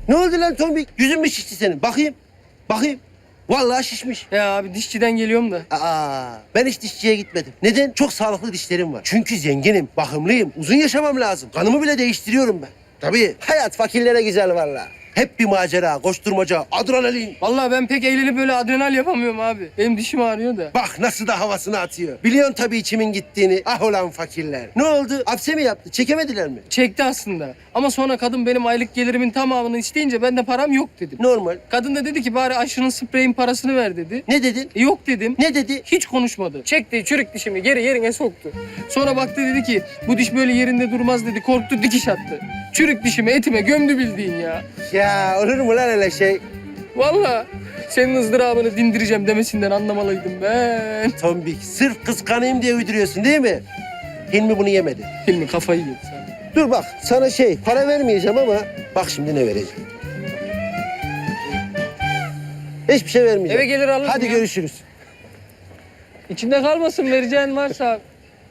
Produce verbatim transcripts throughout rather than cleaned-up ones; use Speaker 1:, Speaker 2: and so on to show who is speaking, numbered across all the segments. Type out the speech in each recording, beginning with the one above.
Speaker 1: Ne oldu lan tombik? Yüzün mü şişti senin? Bakayım. Bakayım. Vallahi şişmiş.
Speaker 2: Ya abi dişçiden geliyorum da.
Speaker 1: Aa, ben hiç dişçiye gitmedim. Neden? Çok sağlıklı dişlerim var. Çünkü zenginim, bakımlıyım. Uzun yaşamam lazım. Kanımı bile değiştiriyorum ben. Tabii. Hayat fakirlere güzel vallahi. Hep bir macera, koşturmaca, adrenalin.
Speaker 2: Vallahi ben pek eğlenip böyle adrenal yapamıyorum abi. Benim dişim ağrıyor da.
Speaker 1: Bak nasıl da havasını atıyor. Biliyorsun tabii içimin gittiğini. Ah olan fakirler. Ne oldu? Hapse mi yaptı? Çekemediler mi?
Speaker 2: Çekti aslında. Ama sonra kadın benim aylık gelirimin tamamını isteyince ben de param yok dedim.
Speaker 1: Normal.
Speaker 2: Kadın da dedi ki bari aşının spreyin parasını ver dedi.
Speaker 1: Ne dedin?
Speaker 2: E, yok dedim.
Speaker 1: Ne dedi?
Speaker 2: Hiç konuşmadı. Çekti çürük dişimi geri yerine soktu. Sonra baktı dedi ki bu diş böyle yerinde durmaz dedi. Korktu dikiş attı. Çürük dişimi etime gömdü bildiğin ya.
Speaker 1: Ya olur mu lan öyle şey?
Speaker 2: Vallahi senin ızdırabını dindireceğim demesinden anlamalıydım ben.
Speaker 1: Tombik, sırf kıskanayım diye uyduruyorsun değil mi? Hilmi bunu yemedi.
Speaker 2: Hilmi kafayı yedi sen.
Speaker 1: Dur bak, sana şey, para vermeyeceğim ama bak şimdi ne vereceğim. Hiçbir şey vermeyeceğim.
Speaker 2: Eve gelir alırsın
Speaker 1: Hadi
Speaker 2: ya.
Speaker 1: görüşürüz.
Speaker 2: İçinde kalmasın vereceğin varsa.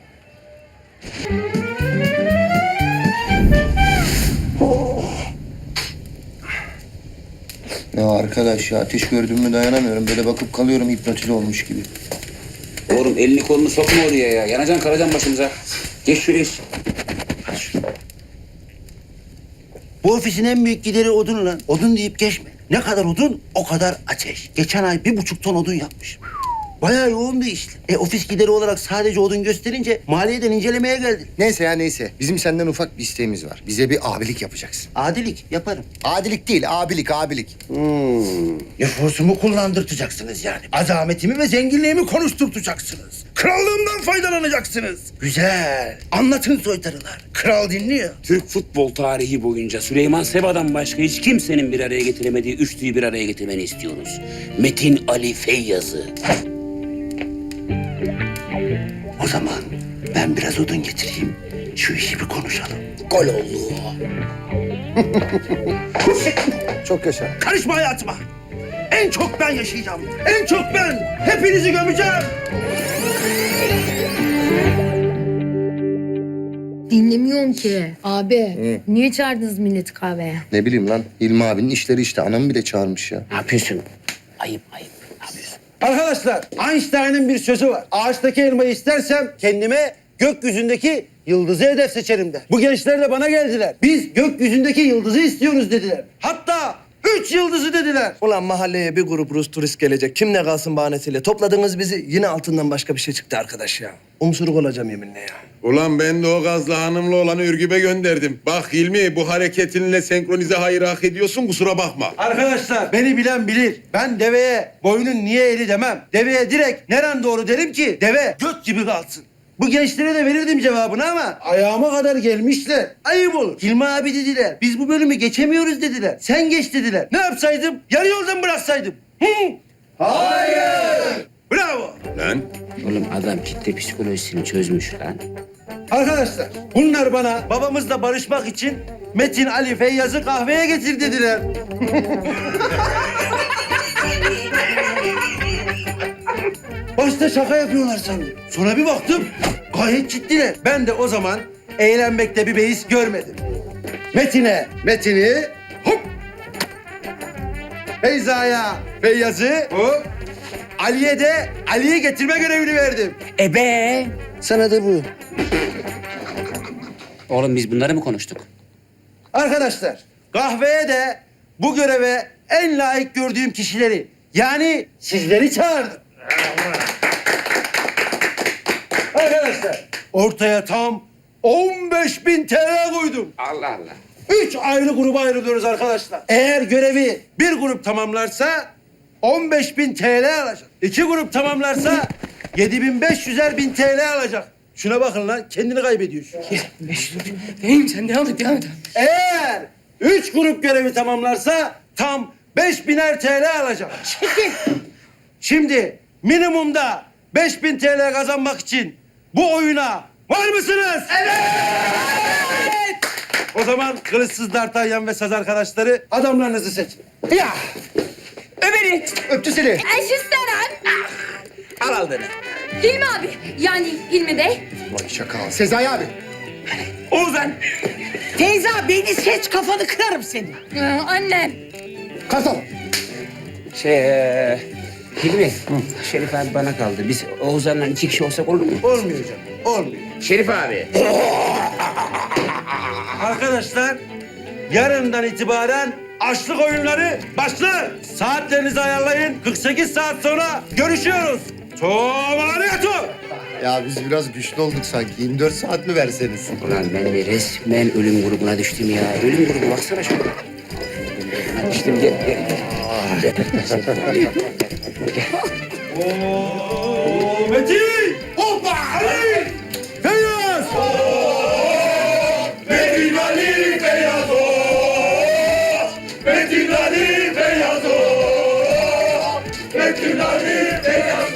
Speaker 3: Ya arkadaş ya ateş gördüm mü dayanamıyorum. Böyle bakıp kalıyorum hipnotize olmuş gibi.
Speaker 4: Oğlum elini kolunu sokma oraya ya. Yanacaksın karacan başımıza. Geç şuraya.
Speaker 1: Bu ofisin en büyük gideri odun lan. Odun deyip geçme. Ne kadar odun, o kadar ateş. Geçen ay bir buçuk ton odun yapmış. Bayağı yoğun bir işti. E ofis gideri olarak sadece odun gösterince maliyeden incelemeye geldi.
Speaker 3: Neyse ya neyse. Bizim senden ufak bir isteğimiz var. Bize bir abilik yapacaksın.
Speaker 1: Adilik yaparım.
Speaker 3: Adilik değil, abilik, abilik.
Speaker 1: Hmm. Nüfusumu kullandırtacaksınız yani. Azametimi ve zenginliğimi konuşturtacaksınız. Krallığımdan faydalanacaksınız. Güzel. Anlatın soytarılar. Kral dinliyor.
Speaker 4: Türk futbol tarihi boyunca Süleyman Seba'dan başka hiç kimsenin bir araya getiremediği üçlüyü bir araya getirmeni istiyoruz. Metin Ali Feyyaz'ı.
Speaker 1: O zaman ben biraz odun getireyim. Şu işi bir konuşalım.
Speaker 4: Gol oldu.
Speaker 3: Çok yaşa.
Speaker 1: Karışma hayatıma. En çok ben yaşayacağım. En çok ben. Hepinizi gömeceğim.
Speaker 5: Dinlemiyorum ki. Abi, niye çağırdınız milleti kahveye?
Speaker 3: Ne bileyim lan. İlmi abinin işleri işte. Anamı bile çağırmış ya.
Speaker 4: Ne yapıyorsun? Ayıp ayıp. Ne yapıyorsun?
Speaker 1: Arkadaşlar, Einstein'ın bir sözü var. Ağaçtaki elmayı istersem kendime gökyüzündeki yıldızı hedef seçerim der. Bu gençler de bana geldiler. Biz gökyüzündeki yıldızı istiyoruz dediler. Hatta üç yıldızı dediler.
Speaker 6: Ulan mahalleye bir grup Rus turist gelecek. Kimle kalsın bahanesiyle. Topladınız bizi. Yine altından başka bir şey çıktı arkadaş ya. Umsuruk olacağım yeminle ya.
Speaker 7: Ulan ben de o gazlı hanımlı olanı Ürgüp'e gönderdim. Bak Hilmi bu hareketinle senkronize hayır hak ediyorsun kusura bakma.
Speaker 1: Arkadaşlar beni bilen bilir. Ben deveye boynun niye eli demem. Deveye direkt neren doğru derim ki deve göt gibi kalsın. Bu gençlere de verirdim cevabını ama ayağıma kadar gelmişler. Ayıp olur. Hilmi abi dediler. Biz bu bölümü geçemiyoruz dediler. Sen geç dediler. Ne yapsaydım? Yarı yoldan bıraksaydım. Hı? Hayır. Bravo.
Speaker 7: Lan
Speaker 4: Oğlum adam kitle psikolojisini çözmüş lan.
Speaker 1: Arkadaşlar bunlar bana babamızla barışmak için Metin Ali Feyyaz'ı kahveye getir dediler. Başta şaka yapıyorlar sandım. Sonra bir baktım gayet ciddiler. Ben de o zaman eğlenmekte bir beis görmedim. Metin'e Metin'i hop. Feyza'ya Feyyaz'ı hop. Ali'ye de Ali'yi getirme görevini verdim.
Speaker 4: Ebe.
Speaker 1: Sana da bu.
Speaker 4: Oğlum biz bunları mı konuştuk?
Speaker 1: Arkadaşlar kahveye de bu göreve en layık gördüğüm kişileri yani sizleri çağırdım. Arkadaşlar ortaya tam on beş bin T L koydum.
Speaker 4: Allah Allah.
Speaker 1: Üç ayrı gruba ayrılıyoruz arkadaşlar. Eğer görevi bir grup tamamlarsa on beş bin T L alacak. İki grup tamamlarsa yedi bin beş yüzer bin T L alacak. Şuna bakın lan kendini kaybediyor şu.
Speaker 2: Neyim sen devam et devam et.
Speaker 1: Eğer üç grup görevi tamamlarsa tam beş biner T L alacak. Şimdi minimumda beş bin T L kazanmak için bu oyuna var mısınız? Evet! O zaman kılıçsız D'Artagnan ve saz arkadaşları adamlarınızı seçin. Ya!
Speaker 2: Ömer'i.
Speaker 3: Öptü seni.
Speaker 5: Eşisteran.
Speaker 4: Al aldığını.
Speaker 5: Hilmi abi, yani Hilmi Bey.
Speaker 3: Vay şaka. Sezai abi.
Speaker 4: Oğuzhan.
Speaker 8: Teyze beni seç kafanı kırarım senin.
Speaker 5: Ee, annem.
Speaker 1: Kartal.
Speaker 4: Şey, e, Hilmi, Şerif abi bana kaldı. Biz Oğuzhan'la iki kişi olsak olur mu?
Speaker 1: Olmuyor canım. Olmuyor.
Speaker 4: Şerif abi.
Speaker 1: Arkadaşlar yarından itibaren açlık oyunları başlar. Saatlerinizi ayarlayın. kırk sekiz saat sonra görüşüyoruz. Tomariyatu.
Speaker 3: Ya biz biraz güçlü olduk sanki. yirmi dört saat mi verseniz?
Speaker 4: Ulan ben de resmen ölüm grubuna düştüm ya. Ölüm grubu baksana şuna. Düştüm gel gel.
Speaker 1: Oo, Metin. Hoppa Ali. Feyyaz. Metin Ali Feyyaz. Metin Ali Feyyaz. Metin Ali Feyyaz.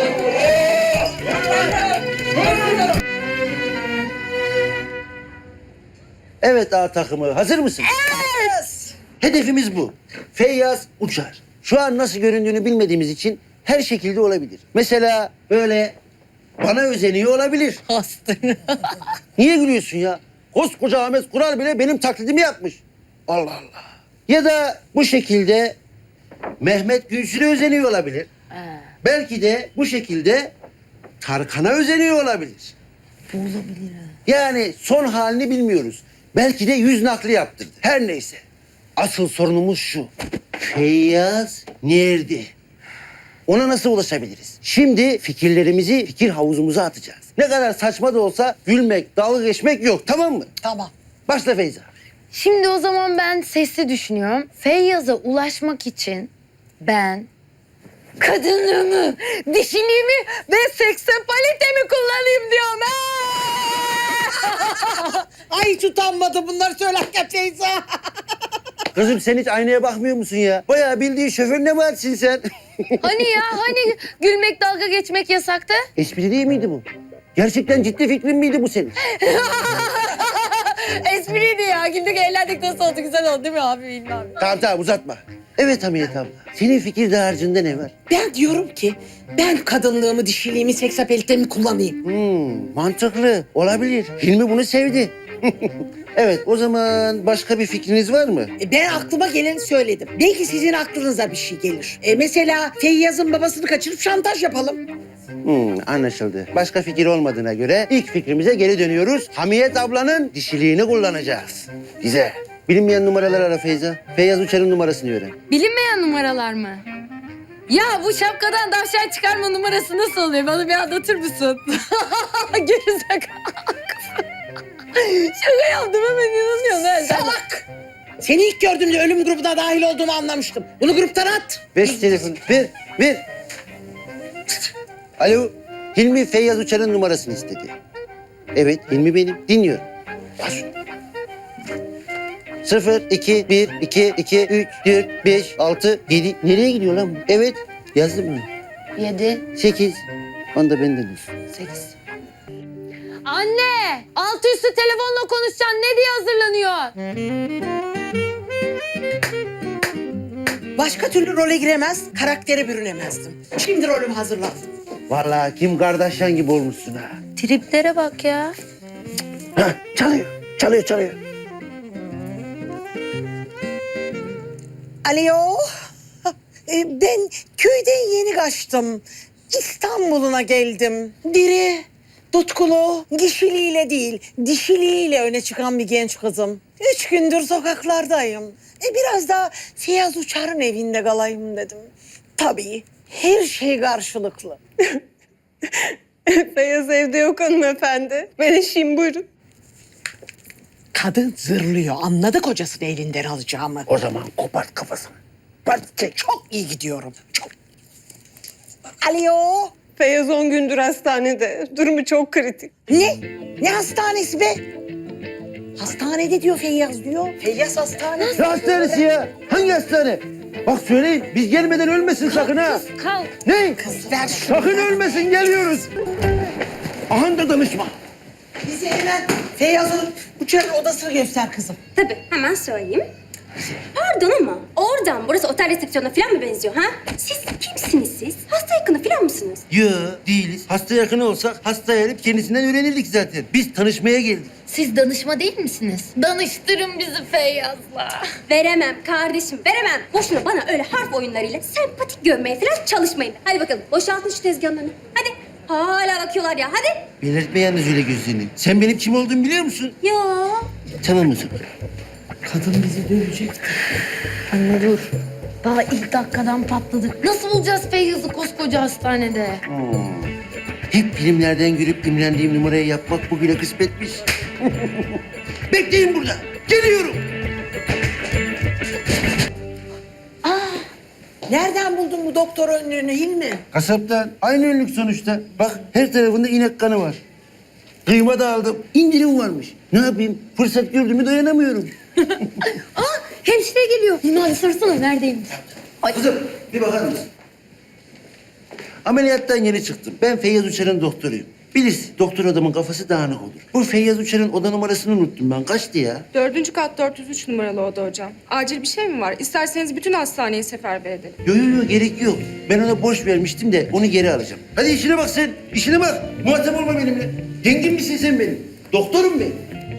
Speaker 1: Evet A takımı hazır mısın? Evet. Hedefimiz bu. Feyyaz uçar. Şu an nasıl göründüğünü bilmediğimiz için her şekilde olabilir. Mesela böyle bana özeniyor olabilir.
Speaker 8: Hastır.
Speaker 1: Niye gülüyorsun ya? Koskoca Ahmet Kural bile benim taklidimi yapmış. Allah Allah. Ya da bu şekilde Mehmet Gülsün'e özeniyor olabilir. Belki de bu şekilde Tarkan'a özeniyor olabilir.
Speaker 5: Bu olabilir ha.
Speaker 1: Yani son halini bilmiyoruz. Belki de yüz nakli yaptırdı. Her neyse. Asıl sorunumuz şu. Feyyaz nerede? Ona nasıl ulaşabiliriz? Şimdi fikirlerimizi fikir havuzumuza atacağız. Ne kadar saçma da olsa gülmek, dalga geçmek yok. Tamam mı?
Speaker 8: Tamam.
Speaker 1: Başla Feyza.
Speaker 5: Şimdi o zaman ben sesli düşünüyorum. Feyyaz'a ulaşmak için ben kadınlığımı, dişiliğimi ve seksapalitemi kullanayım diyorum.
Speaker 8: Ay hiç utanmadı bunları söylerken teyze.
Speaker 1: Kızım sen hiç aynaya bakmıyor musun ya? Bayağı bildiğin şoför ne vaatsin sen?
Speaker 5: Hani ya hani gülmek dalga geçmek yasaktı?
Speaker 1: Espri değil miydi bu? Gerçekten ciddi fikrin miydi bu senin?
Speaker 5: Espriydi ya. Güldük eğlendik nasıl oldu güzel oldu değil mi abi bilmem.
Speaker 1: Tamam tamam uzatma. Evet Hamiyet abla. Senin fikir dağarcığında ne var?
Speaker 8: Ben diyorum ki ben kadınlığımı, dişiliğimi, seksapelitemi kullanayım.
Speaker 1: Hmm, mantıklı. Olabilir. Hilmi bunu sevdi. Evet o zaman başka bir fikriniz var mı?
Speaker 8: E, Ben aklıma geleni söyledim. Belki sizin aklınıza bir şey gelir. E, mesela Feyyaz'ın babasını kaçırıp şantaj yapalım.
Speaker 1: Hmm, anlaşıldı. Başka fikir olmadığına göre ilk fikrimize geri dönüyoruz. Hamiyet ablanın dişiliğini kullanacağız. Güzel. Bilinmeyen numaralar ara Feyza. Feyyaz Uçar'ın numarasını öğren.
Speaker 5: Bilinmeyen numaralar mı? Ya bu şapkadan tavşan çıkarma numarası nasıl oluyor? Bana bir anlatır mısın? Gerizekalı. Şaka yaptım hemen inanıyorsun. ha sen.
Speaker 8: Salak! Seni ilk gördüğümde ölüm grubuna dahil olduğumu anlamıştım. Bunu gruptan at.
Speaker 1: Ver şu telefonu. Ver, ver. Alo. Hilmi Feyyaz Uçar'ın numarasını istedi. Evet, Hilmi benim. Dinliyorum. Bas. Sıfır, iki, bir, iki, iki, üç, dört, beş, altı, yedi. Nereye gidiyor lan bu? Evet, yazdım mı?
Speaker 5: Yedi.
Speaker 1: Sekiz. Onda benden olsun.
Speaker 5: Sekiz. Anne! Altı üstü telefonla konuşacaksın. Ne diye hazırlanıyor?
Speaker 8: Başka türlü role giremez, karaktere bürünemezdim. Şimdi rolümü hazırladım.
Speaker 1: Vallahi kim Kardashian gibi olmuşsun ha.
Speaker 5: Triplere bak ya.
Speaker 1: Hah, çalıyor, çalıyor, çalıyor.
Speaker 8: Alo. E, Ben köyden yeni kaçtım. İstanbul'una geldim. Diri, tutkulu, kişiliğiyle değil, dişiliğiyle öne çıkan bir genç kızım. Üç gündür sokaklardayım. E, biraz da Feyyaz Uçar'ın evinde kalayım dedim. Tabii her şey karşılıklı.
Speaker 9: Feyyaz evde yok hanımefendi. Ben eşiyim buyurun.
Speaker 8: Kadın zırlıyor. Anladı kocasını elinden alacağımı.
Speaker 1: O zaman kopart kafasını. Part çek.
Speaker 8: Çok iyi gidiyorum. Çok. Alo.
Speaker 9: Feyyaz on gündür hastanede. Durumu çok kritik.
Speaker 8: Ne? Ne hastanesi be? Hastanede diyor Feyyaz diyor. Feyyaz hastanesi.
Speaker 1: Ne hastanesi ya? Hangi hastane? Bak söyleyin, biz gelmeden ölmesin sakın ha.
Speaker 5: Kalk.
Speaker 1: Ne?
Speaker 8: Kız ver şunu.
Speaker 1: Sakın ölmesin, geliyoruz. Aha da danışma.
Speaker 8: Bize hemen Feyyaz'ın Uçar'ın odasını göster kızım.
Speaker 10: Tabii hemen söyleyeyim. Pardon ama oradan burası otel resepsiyonuna falan mı benziyor ha? Siz kimsiniz siz? Hasta hasta yakını falan mısınız?
Speaker 1: Yo değiliz. Hasta yakını olsak hasta erip kendisinden öğrenirdik zaten. Biz tanışmaya geldik.
Speaker 5: Siz danışma değil misiniz? Danıştırın bizi Feyyaz'la.
Speaker 10: Veremem kardeşim, veremem. Boşuna bana öyle harf oyunlarıyla sempatik görmeye falan çalışmayın. Hadi bakalım, boşaltın şu tezgahın önünü. Hadi. Hala bakıyorlar ya, hadi.
Speaker 1: Belirtme yalnız öyle gözlerini. Sen benim kim olduğumu biliyor musun?
Speaker 10: Ya.
Speaker 1: Tamam o zaman.
Speaker 8: Kadın bizi dövecek.
Speaker 5: Anne dur. Daha ilk dakikadan patladık. Nasıl bulacağız Feyyaz'ı koskoca hastanede?
Speaker 1: Hep filmlerden görüp imrendiğim numarayı yapmak bugüne kısmetmiş. Bekleyin burada. Geliyorum.
Speaker 8: Nereden buldun bu doktor önlüğünü Hilmi?
Speaker 1: Kasaptan. Aynı önlük sonuçta. Bak her tarafında inek kanı var. Kıyma da aldım. İndirim varmış. Ne yapayım? Fırsat gördüğümü dayanamıyorum.
Speaker 5: Aa hemşire geliyor. Hilmi abi sorsana neredeymiş?
Speaker 1: Kızım bir bakar mısın? Ameliyattan yeni çıktım. Ben Feyyaz Uçar'ın doktoruyum. Bilirsin doktor adamın kafası dağınık olur. Bu Feyyaz Uçar'ın oda numarasını unuttum ben. Kaçtı ya?
Speaker 9: Dördüncü kat dört yüz üç numaralı oda hocam. Acil bir şey mi var? İsterseniz bütün hastaneyi seferber edelim.
Speaker 1: Yok yok yok gerek yok. Ben ona borç vermiştim de onu geri alacağım. Hadi işine bak sen. İşine bak. Muhatap olma benimle. Dengin misin sen benim? Doktorum ben.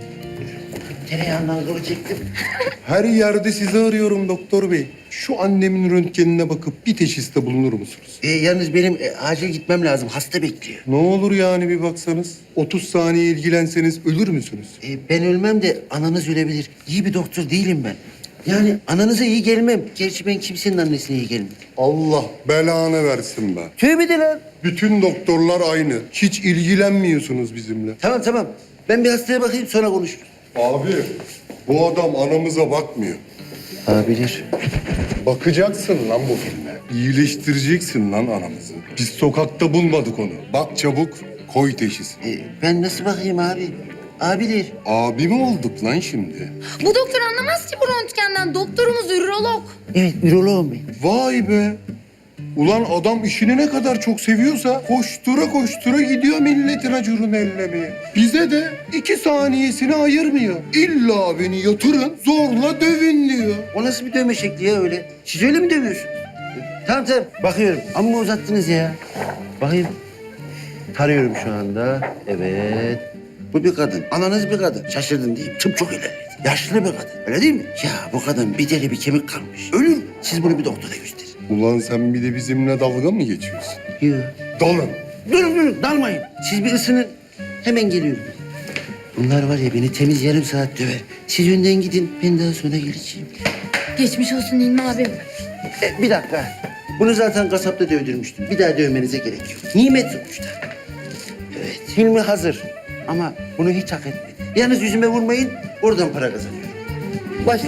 Speaker 1: Tereyağından kılı çektim.
Speaker 7: Her yerde sizi arıyorum doktor bey. Şu annemin röntgenine bakıp bir teşhiste bulunur musunuz?
Speaker 1: E, yalnız benim e, acil gitmem lazım. Hasta bekliyor.
Speaker 7: Ne olur yani bir baksanız. otuz saniye ilgilenseniz ölür müsünüz?
Speaker 1: E, ben ölmem de ananız ölebilir. İyi bir doktor değilim ben. Yani ananıza iyi gelmem. Gerçi ben kimsenin annesine iyi gelmem.
Speaker 7: Allah belanı versin be.
Speaker 1: Tövbe de lan.
Speaker 7: Bütün doktorlar aynı. Hiç ilgilenmiyorsunuz bizimle.
Speaker 1: Tamam tamam. Ben bir hastaya bakayım sonra konuşuruz.
Speaker 7: Abi bu adam anamıza bakmıyor.
Speaker 1: Olabilir.
Speaker 7: Bakacaksın lan bu filme. İyileştireceksin lan anamızı. Biz sokakta bulmadık onu. Bak çabuk koy teşhis.
Speaker 1: E, ben nasıl bakayım abi? Abidir.
Speaker 7: Abi mi olduk lan şimdi?
Speaker 5: Bu doktor anlamaz ki bu röntgenden. Doktorumuz ürolog.
Speaker 1: Evet üroloğum ben.
Speaker 7: Vay be. Ulan adam işini ne kadar çok seviyorsa koştura koştura gidiyor milletin acurunu ellemeye. Bize de iki saniyesini ayırmıyor. İlla beni yatırın zorla dövün diyor.
Speaker 1: O nasıl bir dövme şekli ya öyle? Siz öyle mi dövüyorsunuz? E, tamam tamam bakıyorum. Amma uzattınız ya. Bakayım. Tarıyorum şu anda. Evet. Bu bir kadın. Ananız bir kadın. Şaşırdın değil mi? Tıp çok ilerledi. Yaşlı bir kadın. Öyle değil mi? Ya bu kadın bir deli bir kemik kalmış. Ölür mü? Siz bunu bir doktora gösterin.
Speaker 7: Ulan sen bir de bizimle dalga mı geçiyorsun?
Speaker 1: Yok.
Speaker 7: Dalın.
Speaker 1: Durun durun dalmayın. Siz bir ısının. Hemen geliyorum. Bunlar var ya beni temiz yarım saat döver. Siz önden gidin. Ben daha sonra geleceğim.
Speaker 5: Geçmiş olsun Hilmi abim.
Speaker 1: E, bir dakika. Bunu zaten kasapta dövdürmüştüm. Bir daha dövmenize gerek yok. Nimet sonuçta. Evet, Hilmi hazır. Ama bunu hiç hak etmedi. Yalnız yüzüme vurmayın, oradan para kazanıyorum. Başla.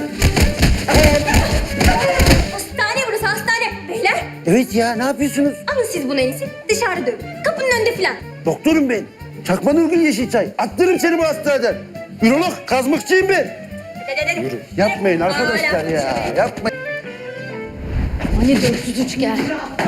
Speaker 10: Hastane burası, hastane. Beyler,
Speaker 1: Evet ya, ne yapıyorsunuz?
Speaker 10: alın siz bunu en iyisi. Dışarı dövün. Kapının önünde falan.
Speaker 1: Doktorum ben. Çakma Nurgül Yeşilçay. Attırırım seni bu hastaneden. Ürolog, kazmıkçıyım ben.
Speaker 10: Yürü.
Speaker 1: Yapmayın arkadaşlar ya, yapmayın.
Speaker 5: Hani dört yüz üç gel.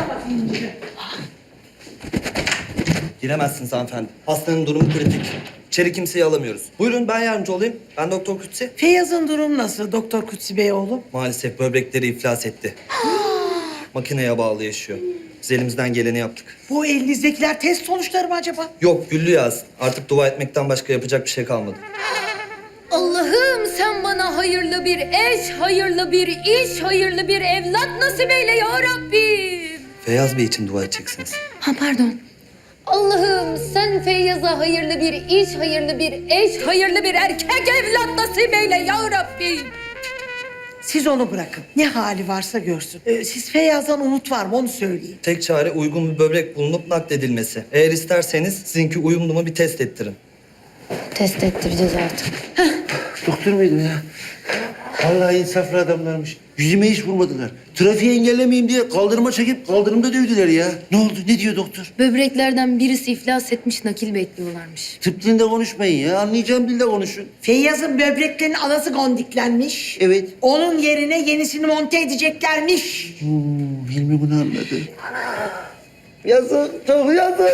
Speaker 6: Giremezsiniz hanımefendi. Hastanın durumu kritik. İçeri kimseyi alamıyoruz. Buyurun ben yardımcı olayım. Ben Doktor Kutsi.
Speaker 8: Feyyaz'ın durumu nasıl Doktor Kutsi Bey oğlum?
Speaker 6: Maalesef böbrekleri iflas etti. Makineye bağlı yaşıyor. Biz elimizden geleni yaptık.
Speaker 8: Bu elinizdekiler test sonuçları mı acaba?
Speaker 6: Yok güllü yaz. Artık dua etmekten başka yapacak bir şey kalmadı.
Speaker 5: Allah'ım sen bana hayırlı bir eş, hayırlı bir iş, hayırlı bir evlat nasip eyle ya Rabbim.
Speaker 6: Feyyaz Bey için dua edeceksiniz.
Speaker 5: Ha pardon. Allah'ım sen Feyyaz'a hayırlı bir iş, hayırlı bir eş, hayırlı bir erkek evlat nasip eyle ya Rabbim.
Speaker 8: Siz onu bırakın. Ne hali varsa görsün. Ee, siz Feyyaz'dan umut var mı onu söyleyin.
Speaker 6: Tek çare uygun bir böbrek bulunup nakledilmesi. Eğer isterseniz sizinki uyumlu mu bir test ettirin.
Speaker 5: Test ettireceğiz artık.
Speaker 1: Doktor muydum ya? Vallahi insaflı adamlarmış. Yüzüme hiç vurmadılar. Trafiği engellemeyeyim diye kaldırıma çekip kaldırımda dövdüler ya. Ne oldu? Ne diyor doktor?
Speaker 5: Böbreklerden birisi iflas etmiş, nakil bekliyorlarmış.
Speaker 1: Tıp dilinde konuşmayın ya. Anlayacağım dilde konuşun.
Speaker 8: Feyyaz'ın böbreklerinin anası gondiklenmiş.
Speaker 1: Evet.
Speaker 8: Onun yerine yenisini monte edeceklermiş.
Speaker 1: Hmm, Hilmi bunu anladı. Yazık, çok yazık.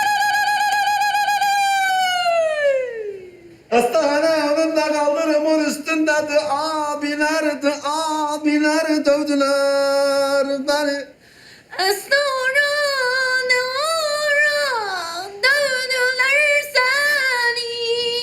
Speaker 1: Hastane önünde kaldırım onu üstündedir abilerdi, abiler dövdüler beni.
Speaker 5: Sonra ne ara dövdüler seni.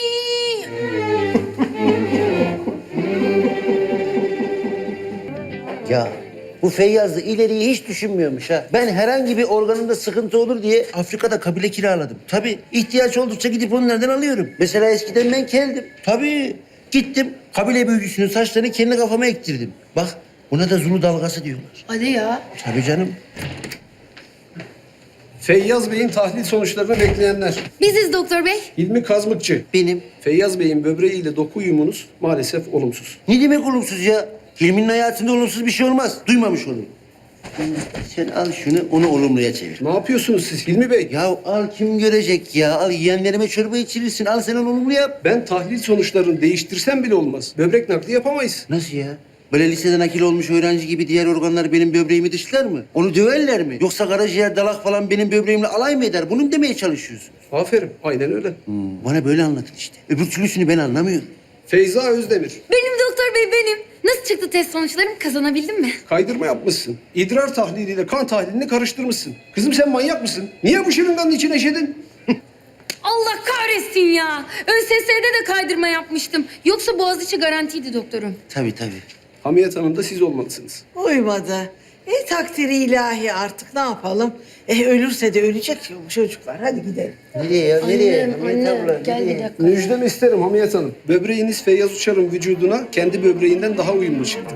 Speaker 1: Ya bu Feyyaz da ileriyi hiç düşünmüyormuş ha. Ben herhangi bir organımda sıkıntı olur diye Afrika'da kabile kiraladım. Tabii ihtiyaç oldukça gidip onlardan alıyorum. Mesela eskiden ben keldim. Tabii gittim kabile büyücüsünün saçlarını kendi kafama ektirdim. Bak buna da Zulu dalgası diyorlar.
Speaker 5: Hadi ya.
Speaker 1: Tabii canım.
Speaker 11: Feyyaz Bey'in tahlil sonuçlarını bekleyenler.
Speaker 5: Biziz doktor bey.
Speaker 11: Hilmi Kazmıkçı.
Speaker 1: Benim.
Speaker 11: Feyyaz Bey'in böbreğiyle doku uyumunuz maalesef olumsuz.
Speaker 1: Ne demek olumsuz ya? Hilmi'nin hayatında olumsuz bir şey olmaz. Duymamış olur. Sen al şunu, onu olumluya çevir.
Speaker 11: Ne yapıyorsunuz siz Hilmi Bey?
Speaker 1: Ya al kim görecek ya? Al yeğenlerime çorba içirirsin. Al sen onu olumlu yap.
Speaker 11: Ben tahlil sonuçlarını değiştirsem bile olmaz. Böbrek nakli yapamayız.
Speaker 1: Nasıl ya? Böyle liseden akil olmuş öğrenci gibi diğer organlar benim böbreğimi dışlar mı? Onu döverler mi? Yoksa karaciğer, dalak falan benim böbreğimle alay mı eder? Bunu mu demeye çalışıyorsun?
Speaker 11: Aferin, aynen öyle.
Speaker 1: Hmm, bana böyle anlatın işte. Öbür türlüsünü ben anlamıyorum.
Speaker 11: Feyza Özdemir.
Speaker 5: Benim doktor bey benim. Nasıl çıktı test sonuçlarım? Kazanabildim mi?
Speaker 11: Kaydırma yapmışsın. İdrar tahliliyle kan tahlilini karıştırmışsın. Kızım sen manyak mısın? Niye bu şırınganın içine eşedin?
Speaker 5: Allah kahretsin ya. ÖSS'de de kaydırma yapmıştım. Yoksa Boğaziçi garantiydi doktorum.
Speaker 1: Tabii tabii.
Speaker 11: Hamiyet Hanım da siz olmalısınız.
Speaker 8: Uymadı. E takdiri ilahi artık ne yapalım? E ölürse de ölecek bu çocuklar. Hadi gidelim.
Speaker 1: Nereye ya? Nereye?
Speaker 5: Annem,
Speaker 1: Hamiyet
Speaker 5: anne,
Speaker 1: abla,
Speaker 5: gel bir
Speaker 1: nereye?
Speaker 5: dakika.
Speaker 11: Müjdemi isterim Hamiyet Hanım. Böbreğiniz Feyyaz Uçar'ın vücuduna kendi böbreğinden daha uyumlu çıktı.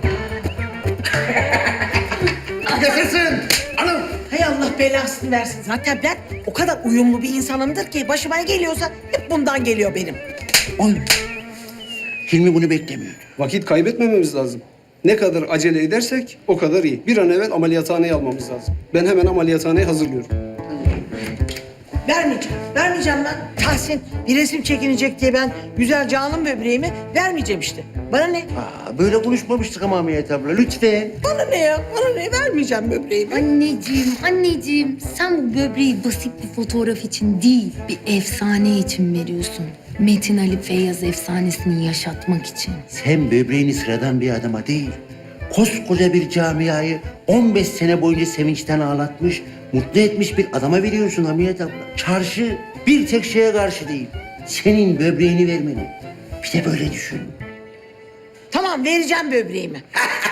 Speaker 1: Yaşasın! Anam!
Speaker 8: Hay Allah belasını versin. Zaten ben o kadar uyumlu bir insanımdır ki başıma ne geliyorsa hep bundan geliyor benim.
Speaker 1: Oy! Hilmi bunu beklemiyordu.
Speaker 11: Vakit kaybetmememiz lazım. Ne kadar acele edersek o kadar iyi. Bir an evvel ameliyathaneye almamız lazım. Ben hemen ameliyathaneyi hazırlıyorum.
Speaker 8: Vermeyeceğim. Vermeyeceğim lan. Tahsin bir resim çekinecek diye ben güzel canım böbreğimi vermeyeceğim işte. Bana ne?
Speaker 1: Aa, böyle konuşmamıştık ama Hamiyet abla. Lütfen.
Speaker 8: Bana ne ya? Bana ne? Vermeyeceğim böbreğimi.
Speaker 5: Anneciğim, anneciğim. Sen bu böbreği basit bir fotoğraf için değil, bir efsane için veriyorsun. Metin Ali Feyyaz efsanesini yaşatmak için.
Speaker 1: Sen böbreğini sıradan bir adama değil, koskoca bir camiayı on beş sene boyunca sevinçten ağlatmış, mutlu etmiş bir adama veriyorsun Hamiyet abla. Çarşı bir tek şeye karşı değil, senin böbreğini vermeni. Bir de böyle düşün.
Speaker 8: Tamam vereceğim böbreğimi.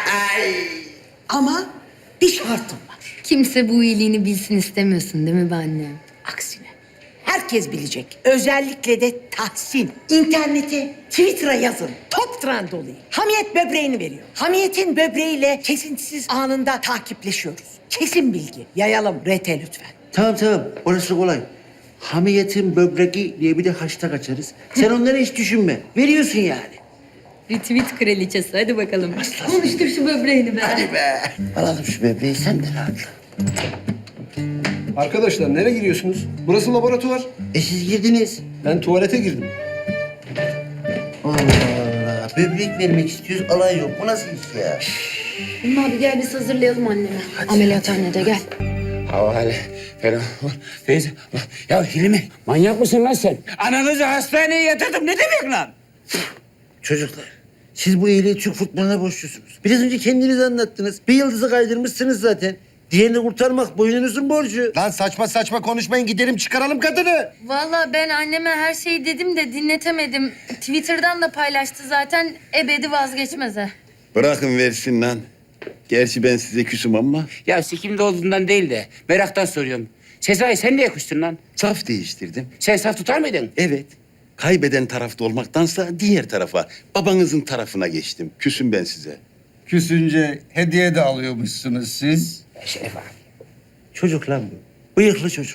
Speaker 8: Ama bir şartım var.
Speaker 5: Kimse bu iyiliğini bilsin istemiyorsun değil mi be annem?
Speaker 8: Aksine herkes bilecek. Özellikle de Tahsin. İnternete, Twitter'a yazın. Top trend olayım. Hamiyet böbreğini veriyor. Hamiyet'in böbreğiyle kesintisiz anında takipleşiyoruz. Kesin bilgi. Yayalım R T lütfen.
Speaker 1: Tamam tamam, orası kolay. Hamiyetin böbreği diye bir de hashtag açarız. Sen onları hiç düşünme, veriyorsun yani.
Speaker 5: Retweet kraliçesi hadi bakalım. Konuştur şu böbreğini be.
Speaker 1: Hadi be. Alalım şu böbreği, sen de rahatla.
Speaker 11: Arkadaşlar nereye giriyorsunuz? Burası laboratuvar.
Speaker 1: E siz girdiniz.
Speaker 11: Ben tuvalete girdim.
Speaker 1: Allah Allah. Böbrek vermek istiyoruz, alay yok. Bu nasıl iş ya?
Speaker 5: Ümmü abi gel biz hazırlayalım annemi. Ameliyathanede gel.
Speaker 4: Havale falan. Feyza. Ya Hilmi manyak mısın lan sen? Ananızı hastaneye yatırdım ne demek lan?
Speaker 1: Çocuklar, siz bu iyiliği Türk futboluna borçlusunuz. Biraz önce kendiniz anlattınız. Bir yıldızı kaydırmışsınız zaten. Diğerini kurtarmak boynunuzun borcu.
Speaker 7: Lan saçma saçma konuşmayın, gidelim çıkaralım kadını.
Speaker 5: Vallahi ben anneme her şeyi dedim de dinletemedim. Twitter'dan da paylaştı zaten ebedi vazgeçmeze.
Speaker 12: Bırakın versin lan. Gerçi ben size küsüm ama
Speaker 4: Ya sikimde olduğundan değil de meraktan soruyorum. Sezai sen niye kustun lan?
Speaker 12: saf değiştirdim.
Speaker 4: Sen saf tutar mıydın?
Speaker 12: Evet. Kaybeden tarafta olmaktansa diğer tarafa, babanızın tarafına geçtim. Küsüm ben size.
Speaker 13: Küsünce hediye de alıyormuşsunuz siz.
Speaker 4: Şeref abi.
Speaker 1: Çocuk lan bu. Bıyıklı çocuk.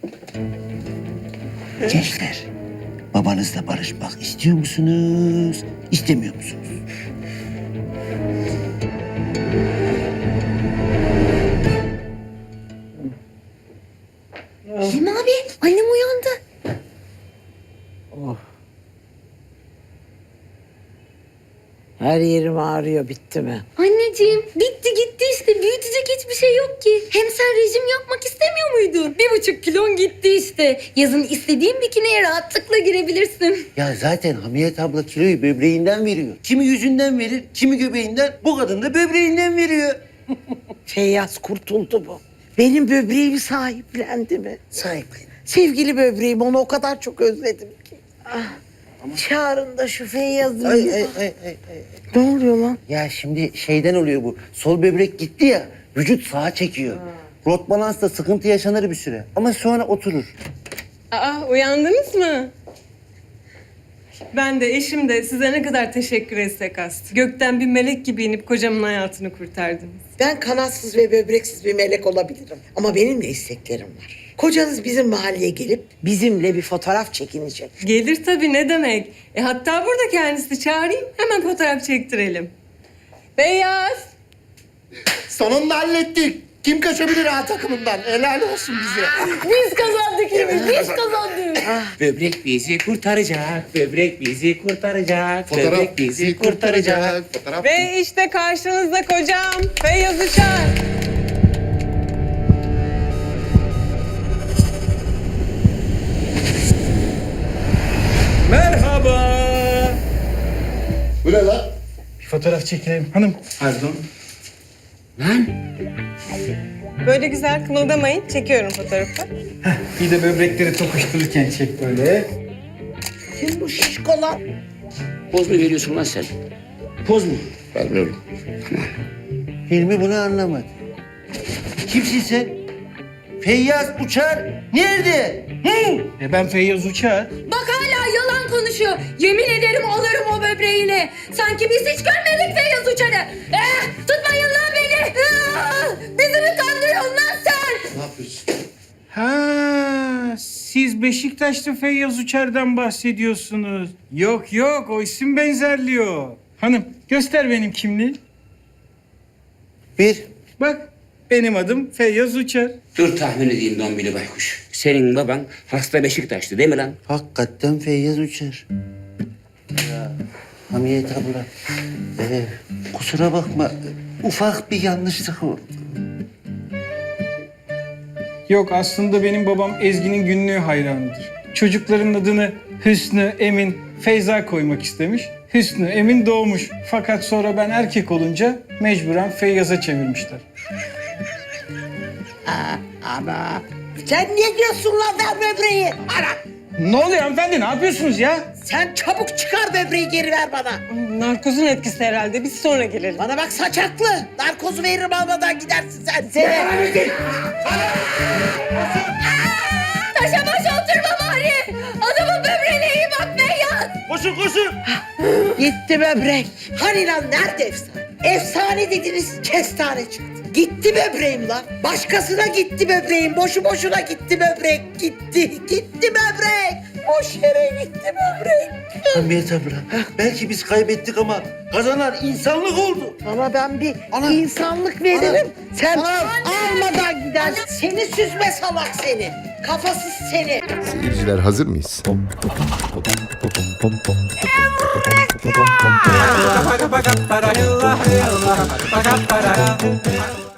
Speaker 1: Gençler, babanızla barışmak istiyor musunuz, istemiyor musunuz?
Speaker 5: Hilmi abi annem uyandı.
Speaker 8: Her yerim ağrıyor, bitti mi?
Speaker 5: Anneciğim bitti gitti işte. Büyütecek hiçbir şey yok ki. Hem sen rejim yapmak istemiyor muydun? Bir buçuk kilon gitti işte. Yazın istediğin bikiniye rahatlıkla girebilirsin.
Speaker 1: Ya zaten Hamiyet abla kiloyu böbreğinden veriyor. Kimi yüzünden verir, kimi göbeğinden. Bu kadın da böbreğinden veriyor.
Speaker 8: Feyyaz kurtuldu bu. Benim böbreğimi sahiplendi mi?
Speaker 1: Sahiplen.
Speaker 8: Sevgili böbreğim, onu o kadar çok özledim ki. Ah. Çağırın da şu Feyyaz'ı.
Speaker 1: Ay, ay, ay, ay, ay.
Speaker 8: Ne oluyor lan?
Speaker 1: Ya şimdi şeyden oluyor bu. Sol böbrek gitti ya, vücut sağa çekiyor. Rot balansta sıkıntı yaşanır bir süre. Ama sonra oturur.
Speaker 14: Aa, uyandınız mı? Ben de eşim de size ne kadar teşekkür etsek az. Gökten bir melek gibi inip kocamın hayatını kurtardınız.
Speaker 8: Ben kanatsız ve böbreksiz bir melek olabilirim. Ama benim de isteklerim var. Kocanız bizim mahalleye gelip bizimle bir fotoğraf çekinecek.
Speaker 14: Gelir tabii, ne demek. E hatta burada kendisi, çağırayım hemen fotoğraf çektirelim. Beyaz.
Speaker 7: Sonunda hallettik. Kim kaçabilir A takımından? Helal olsun bize.
Speaker 5: Biz kazandık Hilmi, biz kazandık.
Speaker 4: Böbrek bizi kurtaracak, böbrek bizi kurtaracak,
Speaker 7: Fotoğraf
Speaker 4: böbrek bizi kurtaracak.
Speaker 7: Fotoğraf.
Speaker 14: Ve işte karşınızda kocam Feyyaz Uçar.
Speaker 2: Merhaba.
Speaker 7: Bu ne lan?
Speaker 2: Bir fotoğraf çekelim hanım.
Speaker 11: Pardon.
Speaker 4: Lan
Speaker 14: Böyle güzel kımıldamayın. Çekiyorum fotoğrafı.
Speaker 11: Bir de böbrekleri tokuştururken çek böyle.
Speaker 8: Kim bu şişko lan?
Speaker 4: poz mu veriyorsun lan sen? Poz mu?
Speaker 3: Vermiyorum.
Speaker 1: Hilmi bunu anlamadı. Kimsin sen? Feyyaz Uçar nerede? Hı?
Speaker 11: E ben Feyyaz Uçar.
Speaker 5: Bak hala yalan konuşuyor. Yemin ederim alırım o böbreğini. Sanki biz hiç görmedik Feyyaz Uçar'ı. Eh, tutmayın lan beni. Ah, bizi mi kandırıyorsun lan sen?
Speaker 7: Ne yapıyorsun?
Speaker 11: Ha, siz Beşiktaşlı Feyyaz Uçar'dan bahsediyorsunuz. Yok yok, o isim benzerliyor. Hanım, göster benim kimliği.
Speaker 1: Bir.
Speaker 11: Bak, benim adım Feyyaz Uçar.
Speaker 4: Dur tahmin edeyim Dombili Baykuş. Senin baban hasta Beşiktaşlı değil mi lan?
Speaker 1: Hakikaten Feyyaz Uçar. Ya Hamiyet abla. Ee, kusura bakma. Ufak bir yanlışlık oldu.
Speaker 11: Yok, aslında benim babam Ezgi'nin günlüğü hayranıdır. Çocukların adını Hüsnü, Emin, Feyza koymak istemiş. Hüsnü, Emin doğmuş. Fakat sonra ben erkek olunca mecburen Feyyaz'a çevirmişler.
Speaker 8: Ana. Sen niye diyorsun lan, ver böbreği? Ana.
Speaker 11: Ne oluyor hanımefendi, ne yapıyorsunuz ya?
Speaker 8: Sen çabuk çıkar böbreği, geri ver bana.
Speaker 14: Narkozun etkisi herhalde. Biz sonra gelelim.
Speaker 8: Bana bak saçaklı. Narkozu veririm, almadan gidersin sen. Seni.
Speaker 5: Taşa baş oturma bari. Adamın böbreğine iyi bak Feyyaz.
Speaker 1: Koşun koşun.
Speaker 8: Gitti böbrek. Hani lan, nerede efsane? Efsane dediniz, kestane çıktı. Gitti böbreğim lan. Başkasına gitti böbreğim. Boşu boşuna gitti böbrek. Gitti, gitti böbrek. Boş yere gitti böbrek.
Speaker 1: Hamiyet abla. Belki biz kaybettik ama kazanan insanlık oldu.
Speaker 8: Ama ben bir
Speaker 1: Ana.
Speaker 8: insanlık veririm.
Speaker 1: Ana.
Speaker 8: Sen
Speaker 1: Ana.
Speaker 8: almadan gidersin. Seni süzme salak seni. Kafasız seni.
Speaker 7: Seyirciler hazır mıyız?